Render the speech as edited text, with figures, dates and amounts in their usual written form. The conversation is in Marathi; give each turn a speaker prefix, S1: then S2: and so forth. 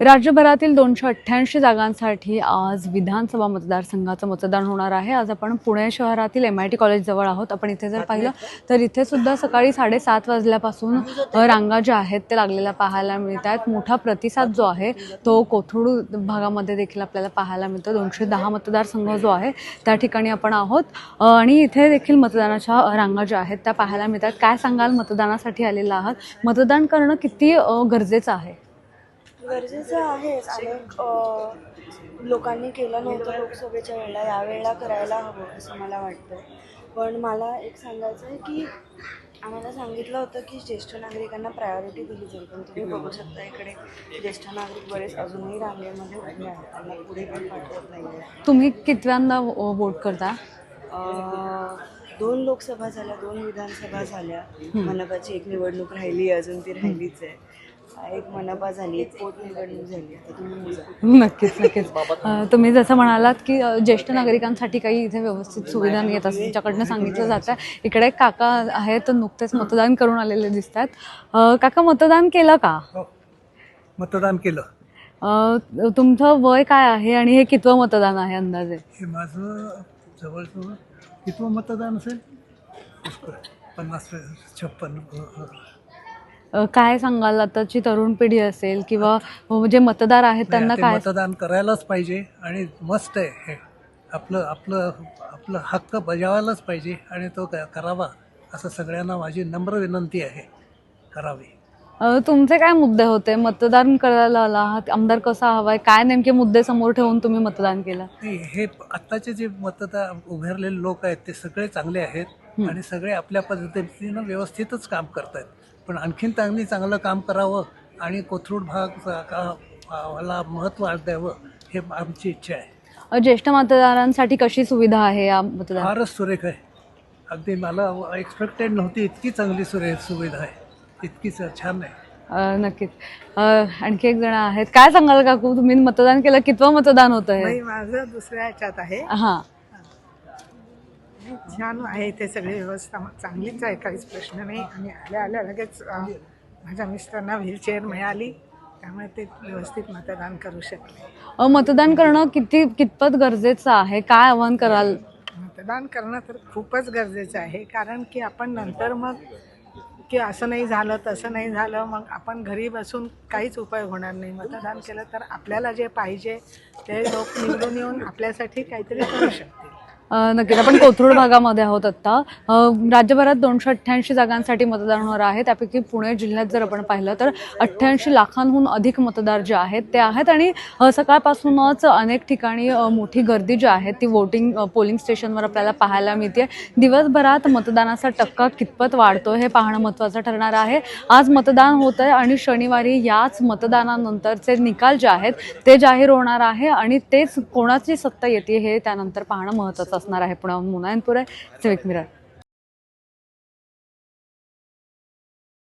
S1: राज्यभरातील 288 जागांसाठी आज विधानसभा मतदारसंघाचं मतदान होणार आहे। आज आपण पुणे शहरातील MIT कॉलेजजवळ आहोत। आपण इथे जर पाहिलं तर इथे सुद्धा सकाळी 7:30 वाजल्यापासून रांगा ज्या आहेत ते लागलेल्या पाहायला मिळतात। मोठा प्रतिसाद जो आहे तो कोथरूड भागामध्ये देखील आपल्याला पाहायला मिळतो। 210 मतदारसंघ जो आहे त्या ठिकाणी आपण आहोत आणि इथे देखील मतदानाच्या रांगा ज्या आहेत त्या पाहायला मिळतात। काय सांगाल, मतदानासाठी आलेला आहात, मतदान करणं किती गरजेचं आहे?
S2: गरजेचं आहेच। अनेक लोकांनी केलं नव्हतं लोकसभेच्या वेळेला, यावेळेला करायला हवं असं मला वाटतं। पण मला एक सांगायचं आहे की आम्हाला सांगितलं होतं की ज्येष्ठ नागरिकांना प्रायोरिटी दिली जाईल, पण तुम्ही बघू शकता इकडे ज्येष्ठ नागरिक बरेच अजूनही रांगेमध्ये उभे आहेत, त्यांना पुढे पण पाठवत नाही आहे।
S1: तुम्ही कितव्यांदा वोट करता?
S2: 2 लोकसभा झाल्या, 2 विधानसभा झाल्या, मनपाची एक निवडणूक राहिली, अजून ती राहिलीच आहे। एक मनपा झाली, एक पोटनिवडणूक झाली। आता तुम्ही
S1: नक्कीच तुम्ही जसं म्हणालात की ज्येष्ठ नागरिकांसाठी काही इथे व्यवस्थित सुविधा नाही आहेत असं तुमच्याकडनं सांगितलं जातं। इकडे एक काका आहेत, नुकतेच मतदान करून आलेले दिसत आहेत। काका, मतदान केलं का?
S3: मतदान केलं।
S1: तुमचं वय काय आहे आणि हे कितवं मतदान आहे अंदाजे?
S3: हे माझं जवळजवळ कितवं मतदान असेल? 50-56.
S1: काय सांगाल, आताची तरुण पिढी असेल किंवा जे मतदार आहेत त्यांना काय?
S3: मतदान करायलाच पाहिजे आणि मस्त आहे हे। आपलं आपलं आपलं हक्क बजावायलाच पाहिजे आणि तो करावा असं सगळ्यांना माझी नम्र विनंती आहे, करावी।
S1: तुमचे काय मुद्दे होते? मतदान करायला आलात, आमदार कसा हवाय, काय नेमके मुद्दे समोर ठेवून तुम्ही मतदान केलं?
S3: हे आत्ताचे जे मतदार उभारलेले लोक आहेत ते सगळे चांगले आहेत आणि सगळे आपल्या पद्धतीनं व्यवस्थितच काम करत आहेत, पण आणखीन चांगलं काम करावं आणि कोथरूड भागाला महत्त्व द्यावं हे आमची इच्छा आहे।
S1: ज्येष्ठ मतदारांसाठी कशी सुविधा आहे या मतदान?
S3: फारच सुरेख आहे, अगदी मला एक्सपेक्टेड नव्हती इतकी चांगली सुविधा आहे, इतकी छान आहे।
S1: नक्कीच। आणखी एक जण आहेत, काय सांगाल काकू, तुम्ही मतदान केलं, कितवं मतदान होतं हे?
S4: माझं दुसऱ्या ह्याच्यात आहे।
S1: हां,
S4: छान आहे, इथे सगळी व्यवस्था चांगलीच आहे, काहीच प्रश्न नाही। आणि आल्या लगेच माझ्या मिस्टरांना व्हीलचेअर मिळाली, त्यामुळे ते व्यवस्थित मतदान करू शकले।
S1: मतदान करणं कितपत गरजेचं आहे? काय आव्हान कराल?
S4: मतदान करणं तर खूपच गरजेचं आहे, कारण की आपण नंतर मग की असं नाही झालं तसं नाही झालं, मग आपण घरी बसून काहीच उपयोग होणार नाही। मतदान केलं तर आपल्याला जे पाहिजे ते लोक निवडून येऊन आपल्यासाठी काहीतरी करू शकतील।
S1: नक्कीच। आपण कोथरूड भागामध्ये आहोत आत्ता। राज्यभरात 288 जागांसाठी मतदान होणार आहे, त्यापैकी पुणे जिल्ह्यात जर आपण पाहिलं तर 88 लाखांहून अधिक मतदार जे आहेत ते आहेत आणि सकाळपासूनच अनेक ठिकाणी मोठी गर्दी जी आहे ती पोलिंग स्टेशनवर आपल्याला पाहायला मिळते। दिवसभरात मतदानाचा टक्का कितपत वाढतो हे पाहणं महत्त्वाचं ठरणार आहे। आज मतदान होत आहे आणि शनिवारी याच मतदानानंतरचे निकाल जे आहेत ते जाहीर होणार आहे आणि तेच कोणाची सत्ता येते हे त्यानंतर पाहणं महत्त्वाचं असणार आहे। पुण्याहून मुनायनपूर आहे, सिविक मिरर।